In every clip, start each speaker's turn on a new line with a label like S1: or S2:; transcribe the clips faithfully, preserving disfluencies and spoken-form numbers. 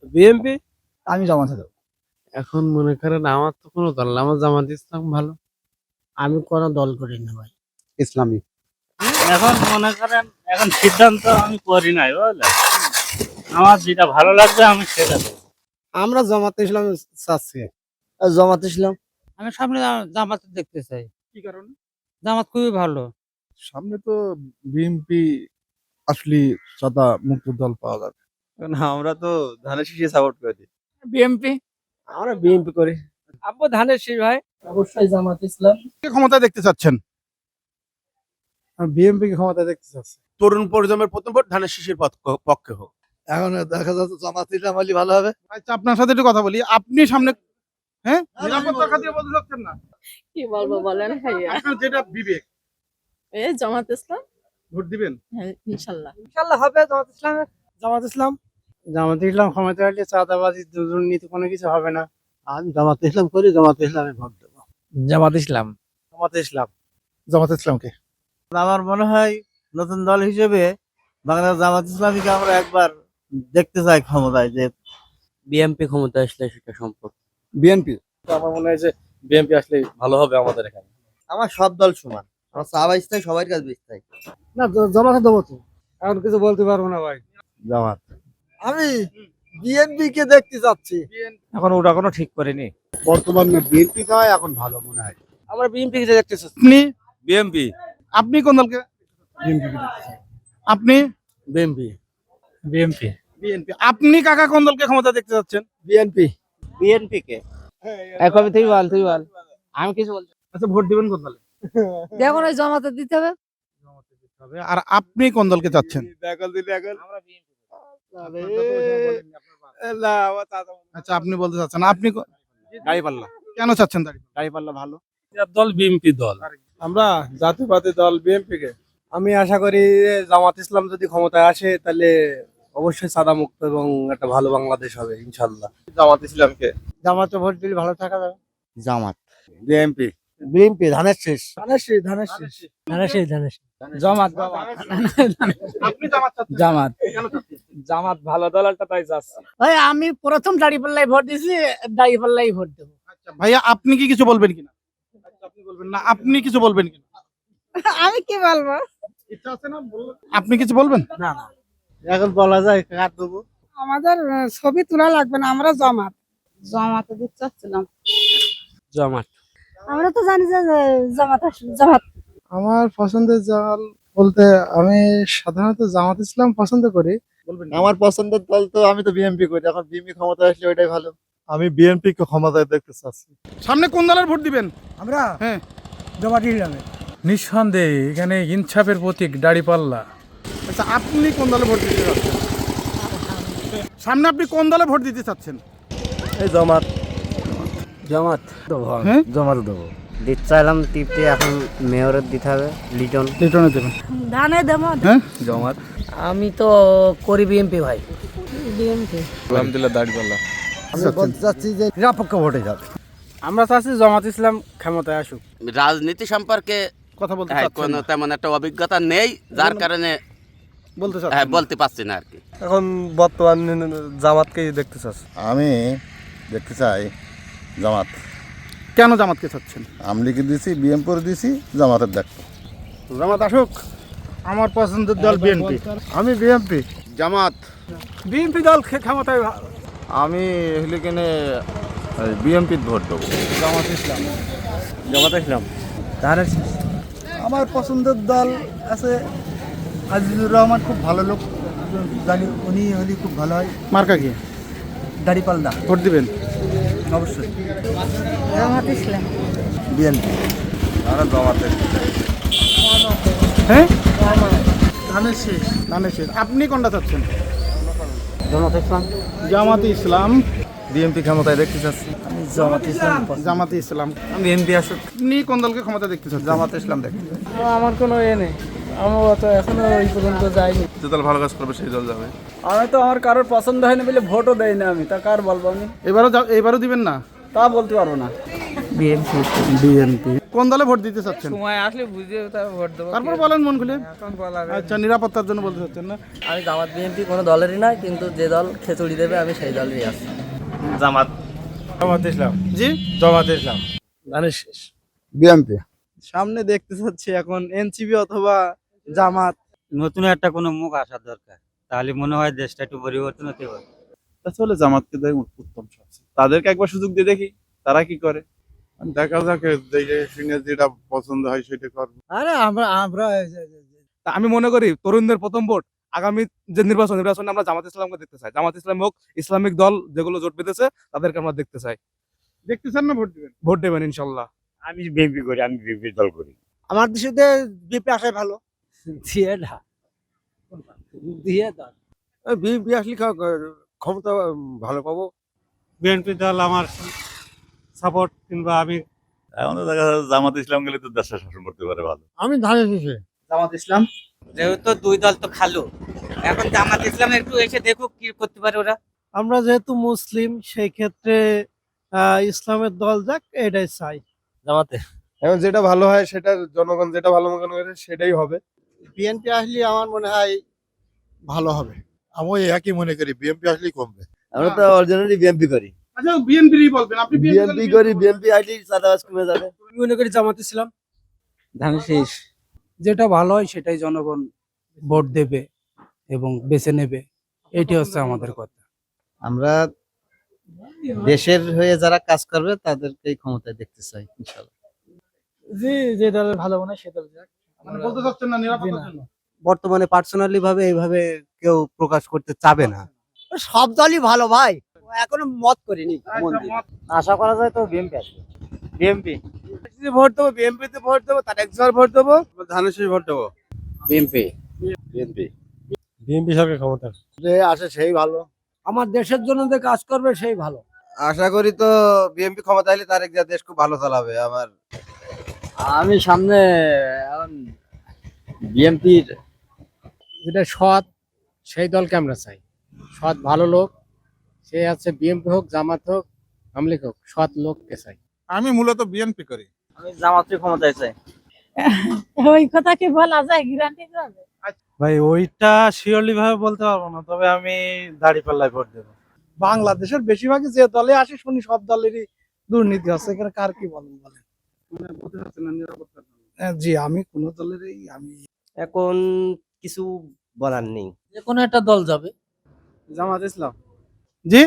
S1: BNP.
S2: আমি জামাতে দেবো।
S1: এখন মনে করেন আমার তো কোনো দল না, আমার জামাত ইসলাম ভালো।
S3: আমি কোনো দল করি না ভাই।
S2: ইসলামী।
S4: এখন মনে করেন এখন সিদ্ধান্ত আমি করি নাই বুঝলেন, আমার যেটা ভালো লাগবে আমি সেটা দেবো।
S1: আমরা জামাত ইসলাম চাচ্ছি।
S3: জামাত ইসলাম।
S5: আমি সামনে জামাত দেখতে চাই।
S2: কি কারণে?
S5: জামাত খুবই ভালো।
S2: সামনে তো বিএনপি আসলে সাদা মুক্ত দল পাওয়া যাবে।
S6: না, আমরা তো ধানের শীষে সাপোর্ট করি।
S5: বিএনপি।
S1: আমরা বিএনপি করি।
S5: আব্বু ধানের শীষ ভাই।
S3: অবশ্যই জামাত ইসলাম।
S2: কে ক্ষমতা দেখতে চাচ্ছেন?
S1: বিএনপি কে ক্ষমতা দেখতে চাচ্ছি।
S7: তরুণ প্রজন্মের প্রথম ভোট ধানের শীষের পক্ষ- পক্ষে হোক।
S2: এখন দেখা যাচ্ছে জামাত ইসলাম হলে ভালো হবে। আচ্ছা, আপনার সাথে একটু কথা বলি। আপনি সামনে হ্যাঁ নিরাপত্তার খাতিরে বলতে চাচ্ছেন না?
S8: কি বলবো বলেন ভাইয়া,
S2: আপনার যেটা বিবেক,
S8: এই জামাত ইসলাম।
S2: ভোট দিবেন?
S8: হ্যাঁ, ইনশাল্লাহ।
S5: ইনশাআল্লাহ হবে জামাত ইসলামের।
S1: জামাত ইসলাম। জামাত ইসলাম ক্ষমতা আসলে চাঁদাবাজি দুর্নীতি কোনো কিছু হবে না।
S3: আমি জামাত ইসলাম করি, জামাত ইসলামে ভোট দেবো।
S5: জামাত ইসলাম।
S1: জামাত ইসলাম।
S2: জামাত ইসলামকে।
S6: আমার মনে হয় নতুন দল হিসেবে বাংলাদেশ জামাত ইসলামীকে আমরা একবার দেখতে চাই ক্ষমতায়, যে
S3: বিএনপি ক্ষমতা আসলে সেটা সম্ভব।
S2: বিএনপি।
S6: আমার মনে হয় যে বিএনপি আসলে ভালো হবে আমাদের এখানে।
S3: আমার সব দল সমান, আমার চা বাইস্তাই সবার কাছে বেচতাই।
S1: না জামাতে দেবো তো। এখন কিছু বলতে পারবো না ভাই।
S2: জামাত।
S1: আমি বিএনপি কে দেখতে চাচ্ছি।
S5: এখন ওটা কোনো ঠিক করিনি।
S2: বর্তমানে বিএনপি হয় এখন ভালো মনে হয়।
S5: আমরা বিএনপি কে দেখতে চাচ্ছি।
S2: আপনি
S6: বিএনপি।
S2: আপনি কোন দলকে? বিএনপি কে দেখতে চান। আপনি?
S3: বিএনপি।
S5: বিএনপি।
S2: বিএনপি। আপনি কাকা কোন দলকে ক্ষমতা দেখতে চাচ্ছেন?
S1: বিএনপি।
S3: বিএনপি কে
S5: এখন তুই বল তুই বল আমি কিছু বলছি।
S2: আচ্ছা, ভোট দিবেন কোন দলে?
S8: দেখুন ওই জামাতে দিতে হবে।
S2: আর আপনি কোন দলকে চাচ্ছেন? আচ্ছা, আপনি বলতে চাচ্ছেন। আপনি কো-
S7: দাঁড়িপাল্লা।
S2: কেন চাচ্ছেন দাঁড়িয়ে?
S7: দাঁড়িপাল্লা ভালো।
S4: দল বিএনপি দল।
S1: আমরা জাতীয়বাদী দল বিএনপি কে। আমি আশা করি যে জামাত ইসলাম যদি ক্ষমতায় আসে তাহলে অবশ্যই সাদা মুক্ত এবং একটা ভালো বাংলাদেশ হবে ইনশাল্লাহ।
S6: জামাত ইসলামকে।
S1: জামাতে ভোট দিলে ভালো থাকা যাবে।
S3: জামাত।
S2: বিএনপি।
S3: বিএনপি ধানের শেষ।
S1: ধানের শীষ, ধানের শীষ।
S5: ধানের শীষ ধানের শীষ। জামাত
S2: আপনি জামাত চাচ্ছেন?
S5: জামাত।
S2: কেন চাচ্ছেন?
S5: জামাত ভালো দল একটা তাই চাচ্ছি।
S3: ভাই আমি প্রথম দাঁড়িপাল্লাই ভোট দিয়েছি, দাঁড়িপাল্লাই ভোট দেবো।
S2: আচ্ছা ভাইয়া, আপনি কি কিছু বলবেন কিনা? আচ্ছা, আপনি বলবেন না, আপনি কিছু বলবেন কিনা?
S8: আমি কি বলবো?
S2: ইচ্ছা আছে না বলবেন? আপনি কিছু বলবেন?
S3: না না, এখন বলা যায় কার দেবো।
S8: আমাদের আহ, ছবি তোলা লাগবে না, আমরা জামাত। জামাতে দিতে চাচ্ছিলাম।
S5: জামাত।
S8: আমরা তো জানি যে জামাত আসলে জামাত।
S1: আমার পছন্দের দল বলতে আমি সাধারণত জামাত ইসলাম পছন্দ করি।
S2: বলবেন না?
S6: আমার পছন্দের দল তো আমি তো বিএনপি করি, এখন বিএনপি ক্ষমতা আসলে ওইটাই ভালো।
S2: আমি বিএনপি কে ক্ষমতায় দেখতে চাচ্ছি। সামনে কোন দলের ভোট দিবেন?
S1: আমরা
S2: হ্যাঁ।
S1: জামাত ইসলামে।
S9: নিঃসন্দেহে এখানে ইনসাফের প্রতীক দাঁড়িপাল্লা।
S2: আচ্ছা, আপনি কোন দলে ভোট দিতে চাচ্ছেন? সামনে আপনি কোন দলে ভোট দিতে চাচ্ছেন?
S6: এই জামাত।
S3: জামাত দেবো।
S2: হ্যাঁ?
S3: জামাত দেবো। দিতে চাইলাম টিপতে, এখন মেয়রের দিতে হবে লিটন।
S2: লিটনে দেবেন।
S8: ধানে দেবো।
S2: হ্যাঁ।
S6: জামাত।
S3: আমি তো করি বিএনপি ভাই।
S8: বিএনপি।
S6: আলহামদুলিল্লাহ দাঁড়িপাল্লা।
S1: আমি বলতে চাচ্ছি যে নিরপেক্ষ ভোটে যাবে।
S5: আমরা চাচ্ছি জামাত ইসলাম ক্ষমতায় আসুক।
S7: রাজনীতি সম্পর্কে
S2: কথা বলতে
S7: হ্যাঁ,
S2: চাচ্ছেন
S7: কোনো
S2: না?
S7: তেমন একটা অভিজ্ঞতা নেই, যার কারণে
S2: বলতে
S7: হ্যাঁ
S2: চাচ্ছেন না?
S7: বলতে পারছি না আর কি।
S6: এখন বর্তমান জামাতকেই দেখতে চাচ্ছি।
S10: আমি দেখতে চাই জামাত।
S2: কেন জামাতকে চাচ্ছেন?
S10: আমলিকে দিছি, বিএমপুর দিছি, জামাতের দেখবো।
S2: জামাত আসুক। আমার পছন্দের দল বিএনপি।
S1: আমি বিএনপি।
S10: জামাত।
S1: বিএনপি দল ক্ষমতায়।
S6: আমি হলে কেনে বিএনপির ভোট দেবো।
S1: জামাত ইসলাম।
S6: জামাত ইসলাম।
S5: ধানের শীষ।
S1: আমার পছন্দের দল আছে আজিজুর রহমান, খুব ভালো লোক, জানি উনি হলে খুব ভালো হয়।
S2: মার্কা কি?
S1: দাড়িপাল্লা।
S2: ভোট দিবেন?
S1: অবশ্যই।
S8: জামাত ইসলাম।
S1: বিএনপি।
S6: আমরা জামাত দেখতে চাই।
S2: হ্যাঁ।
S1: ধানের শীষ।
S2: ধানের শীষ। আপনি কোনটা চাচ্ছেন?
S3: জামাত ইসলাম।
S2: জামাতে ইসলাম।
S6: বিএনপি ক্ষমতায় দেখতে চাচ্ছি।
S1: আমি জামাত ইসলাম।
S2: জামাতে ইসলাম।
S6: আমি এমপি আসুক।
S2: আপনি কোন দলকে ক্ষমতা দেখতে চাচ্ছেন?
S6: জামাত ইসলাম দেখতে চাই।
S5: আমার কোনো এ নেই, আমার তো এখনো ওই পর্যন্ত যাইনি।
S6: যে দল ভালো কাজ করবে সেই দল যাবে।
S5: আমি তো আমার কারোর পছন্দ হয়নি বলে ভোটও দেয় না আমি, তা কার বলবো আমি?
S2: এবারও যা- এবারও দিবেন না?
S5: তা বলতে পারবো না।
S3: বিএনপি
S2: বিএনপি। কোন দলে ভোট দিতে চাচ্ছেন?
S5: সময় আসলে বুঝে তারপর ভোট দেবো।
S2: তারপর বলেন মন খুলে।
S5: এখন বলা
S2: আচ্ছা, নিরাপত্তার জন্য বলতে চাচ্ছেন না?
S3: আমি জামাত বিএনপি কোনো দলেরই না, কিন্তু যে দল খেচুড়ি দেবে আমি সেই দলেরই আছি।
S4: জামাত।
S1: জামাত ইসলাম।
S2: জি,
S1: জামাত ইসলাম। ধানের শেষ।
S10: বিএমপি।
S6: সামনে দেখতে চাচ্ছি এখন এনসিপি অথবা জামাত।
S4: নতুন একটা কোনো মুখ আসার দরকার, তাহলে মনে হয় দেশটা একটু পরিবর্তন হতে পারে।
S2: আসলে জামাতকে দেয় উত্তম সবচেয়ে। তাদেরকে একবার সুযোগ দিয়ে দেখি তারা কি করে। দেখা যাক, যেটা পছন্দ হয় সেটা করবো।
S6: আরে আমরা আমরা
S2: তা আমি মনে করি তরুণদের প্রথম ভোট আগামী যে নির্বাচন নির্বাচনে আমরা জামাত ইসলামকে দেখতে চাই। জামাত ইসলাম হোক, ইসলামিক দল যেগুলো জোট বেঁধেছে তাদেরকে আমরা দেখতে চাই। দেখতে চান না ভোট দিবেন? ভোট দেবেন ইনশাল্লাহ।
S4: আমি বিএনপি করি, আমি বিএনপি দল করি।
S6: আমার দেশে বিএনপি আসাই ভালো। দিয়ে না দিয়ে দাও।
S1: বিএনপি আসলে ক্ষমতা ভালো পাবো।
S4: বিএনপি দল আমার সাপোর্ট, কিংবা আমি
S10: এখন তো দেখা যাচ্ছে জামাত ইসলাম গেলে তো দেশটা শাসন করতে পারে ভালো।
S6: আমি ধানের শেষে
S3: জামাত ইসলাম।
S6: যেহেতু দুই দল তো খালো, এখন জামাত ইসলাম একটু এসে দেখুক কি করতে পারে ওরা। আমরা যেহেতু মুসলিম, সেই ক্ষেত্রে ইসলামের দল যাক, এটাই চাই।
S3: জামাতে।
S1: এখন যেটা ভালো হয় সেটা জনগণ যেটা ভালো মনে করে সেটাই হবে।
S6: বিএনপি আসলে আমার মনে হয় ভালো হবে।
S10: আমি একই মনে করি, বিএমপি আসলেই কমবে।
S6: আমরা তো অরিজিনালি বিএনপি করি।
S2: আচ্ছা, বিএনপিরই বলবেন আপনি?
S6: বিএনপি করি, বিএনপি আসলে চাঁদাবাজ কমে যাবে।
S5: আমি মনে করি জামাত ইসলাম। ধানের শেষ। যেটা ভালো হয় সেটাই জনগণ ভোট দেবে এবং বেছে নেবে, এটি হচ্ছে আমাদের কথা।
S6: আমরা দেশের হয়ে যারা কাজ করবে তাদেরকেই ক্ষমতায় দেখতে চাই ইনশাআল্লাহ।
S5: জি, যে দলের ভালো মনে হয় সে দল যাক।
S2: মানে বলতে চাচ্ছেন না নিরাপত্তার জন্য?
S6: বর্তমানে পার্সোনালি ভাবে এইভাবে কেউ প্রকাশ করতে চাবে না। সব দলই ভালো ভাই, এখনো মত করিনি।
S3: আশা করা যায় তো বিএনপি আসবে।
S6: বিএনপি
S1: ভোট দেবো, বিএনপিতে ভোট দেবো, তার একজনের ভোট দেবো, ধানের শেষ ভোট দেবো।
S3: বিএনপি।
S10: বিএনপি।
S1: বিএনপি সরকার ক্ষমতা
S6: যে আসে সেই ভালো। আমার দেশের জন্য যে কাজ করবে সেই ভালো।
S1: আশা করি তো বিএনপি ক্ষমতা এলে তার এক দেশ খুব ভালো চালাবে। আমার
S3: আমি সামনে এখন বিএনপির যেটা সৎ, সেই দলকে আমরা চাই। সৎ ভালো লোক, সে আছে বিএনপি হোক, জামাত হোক, আওয়ামী লীগ হোক, সৎ লোককে চাই।
S2: আমি মূলত বিএনপি করি।
S3: আমি জামাতের ক্ষমতায় চাই।
S8: ওই কথা কি বলা যায় গ্যারান্টি যাবে?
S6: ভাই ওইটা শিওরলি ভাবে বলতে পারবো না, তবে আমি দাঁড়িপাল্লায় ভোট দেবো। বাংলাদেশের বেশিরভাগই যে দলে আসে শুনি সব দলেরই দুর্নীতি আছে, এখানে কার কি বলেন বলেন?
S2: মানে বলতে চাচ্ছেন না নিরাপত্তার জন্য?
S6: হ্যাঁ, জি, আমি কোন দলেরই আমি
S3: এখন কিছু বলার নেই।
S5: যে কোনো একটা দল যাবে।
S6: জামাত ইসলাম।
S2: জি,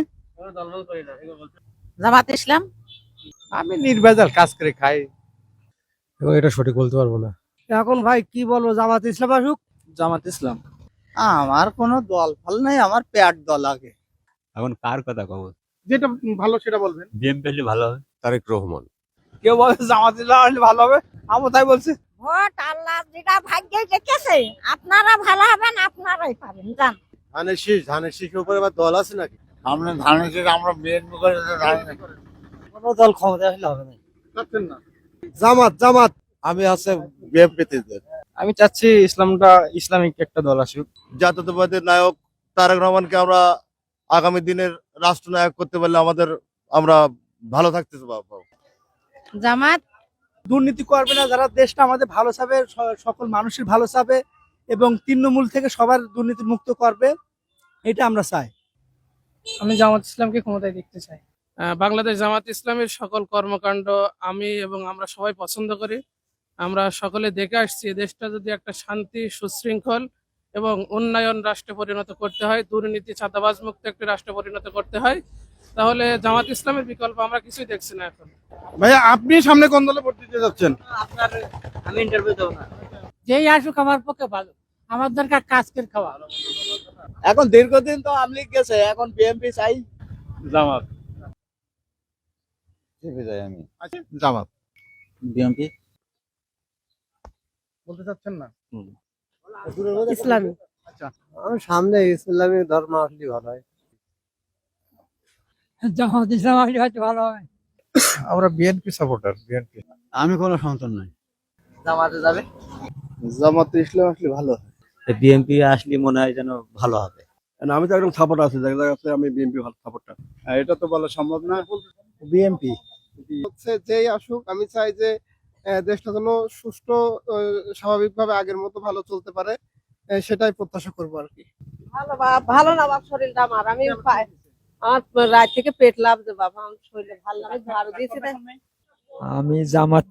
S8: জামাত ইসলাম।
S6: আমি নির্ভেজাল কাজ করে খাই।
S1: এবং এটা সঠিক বলতে পারবো না।
S6: এখন ভাই কি বলবো, জামাত ইসলাম আসুক। জামাত ইসলাম। আমার কোনো দল ফল নাই, আমার প্যাট দল আগে।
S7: এখন কার কথা কব?
S2: যেটা ভালো সেটা বলবেন।
S7: বিএনপি হলে ভালো হবে।
S1: তারেক রহমান।
S6: কেউ বলে জামাত ইসলাম আসলে ভালো হবে, আমি তাই বলছি।
S8: ভোট আল্লাহ যেটা ভাগ্যে লিখেছে, আপনারা ভালো হবেন, আপনারাই পাবেন। জান
S1: ধানের শীষ, ধানের শীষের উপরে আবার দল আছে নাকি?
S10: আমরা ধানের শেষ, আমরা বিএনপি করে
S6: কোনো দল ক্ষমতা আসলে হবে না।
S2: চাচ্ছেন না?
S1: জামাত, জামাত। আমি আছে বিএনপিতে।
S6: আমি চাচ্ছি ইসলামটা, ইসলামিক একটা দল আসুক।
S10: জাতীয়তাবাদের নায়ক তারেক রহমানকে আমরা আগামী দিনের রাষ্ট্রনায়ক করতে পারলে আমাদের আমরা ভালো থাকতে পারবো।
S8: জামাত।
S6: দুর্নীতি করবে না, যারা দেশটা আমাদের ভালো চাবে, স- সকল মানুষের ভালো চাবে এবং তৃণমূল থেকে সবার দুর্নীতি মুক্ত করবে, এটা আমরা চাই।
S5: আমি জামাত ইসলামকে ক্ষমতায় দেখতে চাই। আহ, বাংলাদেশ জামাত ইসলামের সকল কর্মকাণ্ড আমি এবং আমরা সবাই পছন্দ করি। আমরা সকলে দেখে আসছি, দেশটা যদি একটা শান্তি, সুশৃঙ্খল এবং উন্নয়ন রাষ্ট্রে পরিণত করতে হয়, দুর্নীতি চাঁদাবাজ মুক্ত একটি রাষ্ট্রে পরিণত করতে হয়, তাহলে জামাত ইসলামের বিকল্প আমরা কিছুই দেখছি না এখন।
S2: ভাইয়া, আপনি সামনে কোন দলে ভোট দিতে যাচ্ছেন?
S3: আপনার আমি ইন্টারভিউ দেবো না।
S8: যেই আসুক আমার পক্ষে ভালো, আমার দরকার কাজ করে খাওয়া।
S6: এখন দীর্ঘদিন তো আওয়ামী লীগ গেছে, এখন বিএনপি চাই।
S4: জামাত।
S10: আমি
S2: জামাত।
S6: বিএনপি
S2: বলতে চাচ্ছেন না?
S8: ইসলামী।
S1: আমার সামনে ইসলামী ধর্ম আসলে ভালো হয়।
S8: জামাত ইসলাম আসলে হয়তো ভালো হয়।
S10: আমরা বিএনপি সাপোর্টার, বিএনপি।
S6: আমি কোনো সন্তান নাই।
S3: জামাতে যাবে।
S1: জামাত ইসলাম আসলে ভালো হয়।
S6: বিএনপি আসলে মনে হয় যেন ভালো হবে।
S1: আমি তো একদম সাপোর্ট আছে, জায়গা জায়গাতে আমি বিএনপি ভালো সাপোর্টার।
S2: এটা তো বলা সম্ভব না।
S6: বিএনপি
S1: হচ্ছে যেই আসুক, আমি চাই যে আহ, দেশটা যেন সুষ্ঠু আহ, স্বাভাবিকভাবে আগের মতো ভালো চলতে পারে, আহ, সেটাই প্রত্যাশা করবো আর কি।
S8: ভালো বাপ, ভালো না বাপ, শরীরটা আমার, আমি পাই- আমার রাত থেকে পেট লাভছে বাবা, আমার শরীরে ভালো লাগে, ঝাড়ু দিয়েছি রে।
S3: আমি জামাত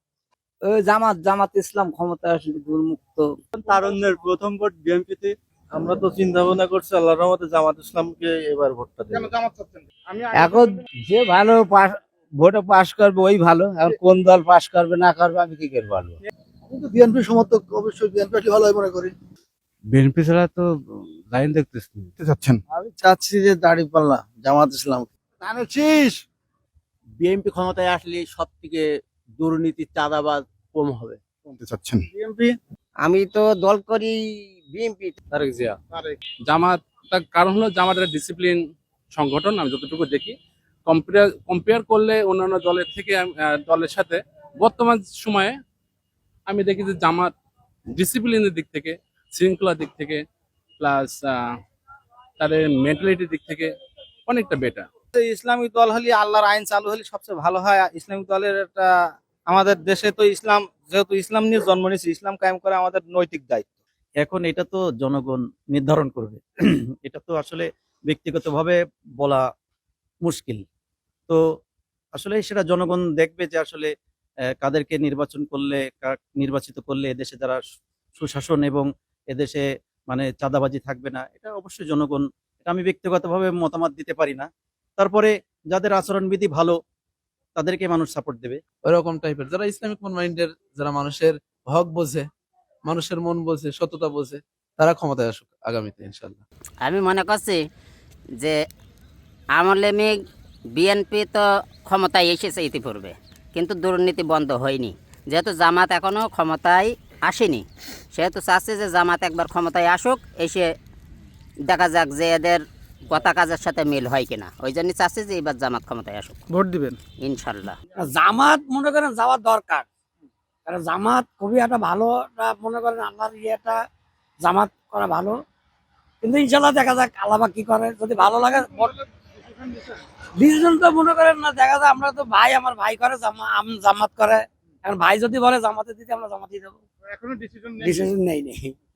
S3: জামাত জামাত ইসলাম ক্ষমতা আসলে দুর্মুক্ত।
S10: তারুণ্যের প্রথম ভোট বিএনপিতে। আমরা তো চিন্তা ভাবনা করছি আল্লাহর রহমতে জামাত ইসলামকে এবার ভোটটা দেব।
S2: কেন জামাত চাচ্ছেন? আমি
S3: এখন যে ভালো পাস ভোটে পাশ করবে ওই ভালো, এখন কোন দল পাশ করবে না করবে আমি কি করে বলবো।
S1: কিন্তু বিএনপি সমর্থক, অবশ্যই বিএনপি ভালো মনে করি।
S7: বিএনপি ছাড়া তো লাইন দেখতেছি
S2: চাচ্ছেন?
S6: আমি চাচ্ছি যে দাঁড়িপাল্লা জামাত ইসলাম।
S1: জানাচ্ছিস
S6: বিএনপি ক্ষমতায় আসলে সব থেকে দুর্নীতি চাঁদাবাজ কম হবে।
S2: কোনটা চাচ্ছেন?
S6: বিএনপি। আমি তো দল করি বিএনপি। তারেক জিয়া।
S5: জামাত, তার কারণ হলো জামাতের ডিসিপ্লিন সংগঠন, আমি যতটুকু দেখি কম্পেয়ার কম্পেয়ার করলে অন্যান্য দলের থেকে আম- আহ, দলের সাথে বর্তমান সময়ে আমি দেখি যে জামাত ডিসিপ্লিনের দিক থেকে, শৃঙ্খলার দিক থেকে, প্লাস তাদের মেন্টালিটির দিক থেকে অনেকটা বেটার।
S6: ইসলামিক দল হলে আল্লাহর আইন চালু হলে সবচেয়ে ভালো হয়। ইসলামিক দলের একটা আমাদের দেশে তো ইসলাম, যেহেতু ইসলাম নিয়ে জন্ম নিয়েছে, ইসলাম কায়েম করা আমাদের নৈতিক দায়িত্ব।
S3: এখন এটা তো জনগণ নির্ধারণ করবে, এটা তো আসলে ব্যক্তিগতভাবে বলা মুশকিল। তো আসলে সেটা জনগণ দেখবে যে আসলে আহ, কাদেরকে নির্বাচন করলে, কার- নির্বাচিত করলে এদেশে যারা সু- সুশাসন এবং এদেশে মানে চাঁদাবাজি থাকবে না, এটা অবশ্যই জনগণ, এটা আমি ব্যক্তিগতভাবে মতামত দিতে পারি না। তারপরে যাদের আচরণবিধি ভালো তাদেরকে মানুষ সাপোর্ট দেবে।
S5: ওরকম টাইপের যারা ইসলামিক মন মাইন্ডের, যারা মানুষের হক বোঝে, মানুষের মন বোঝে, সততা বোঝে, তারা ক্ষমতায় আসুক আগামীতে ইনশাল্লাহ।
S8: আমি মনে করছি যে আমলে মেঘ বিএনপি তো ক্ষমতায় এসেছে ইতিপূর্বে, কিন্তু দুর্নীতি বন্ধ হয়নি। যেহেতু জামাত এখনো ক্ষমতায় আসেনি, সেহেতু চাচ্ছে যে জামাত একবার ক্ষমতায় আসুক, এসে দেখা যাক যে এদের কথা কাজের সাথে মিল হয় কিনা। ওই জন্য চাচ্ছে যে এবার জামাত ক্ষমতায় আসুক
S2: ভোট দিবেন?
S8: ইনশাল্লাহ।
S3: জামাত মনে করেন যাওয়ার দরকার, কারণ জামাত খুবই একটা ভালো একটা মনে করেন আল্লাহর ইয়েটা, জামাত করা ভালো। কিন্তু ইনশাল্লাহ দেখা যাক আল্লাহ কি করে, যদি ভালো লাগে ডিসিশন তো মনে করেন না, দেখা যায় আমরা তো ভাই, আমার ভাই করে জামা- আম জামাত করে, এখন ভাই যদি বলে জামাতে দিতে আমরা জামাতে দেবো,
S2: এখনো ডিসিশন
S3: ডিসিশন নেই নেই।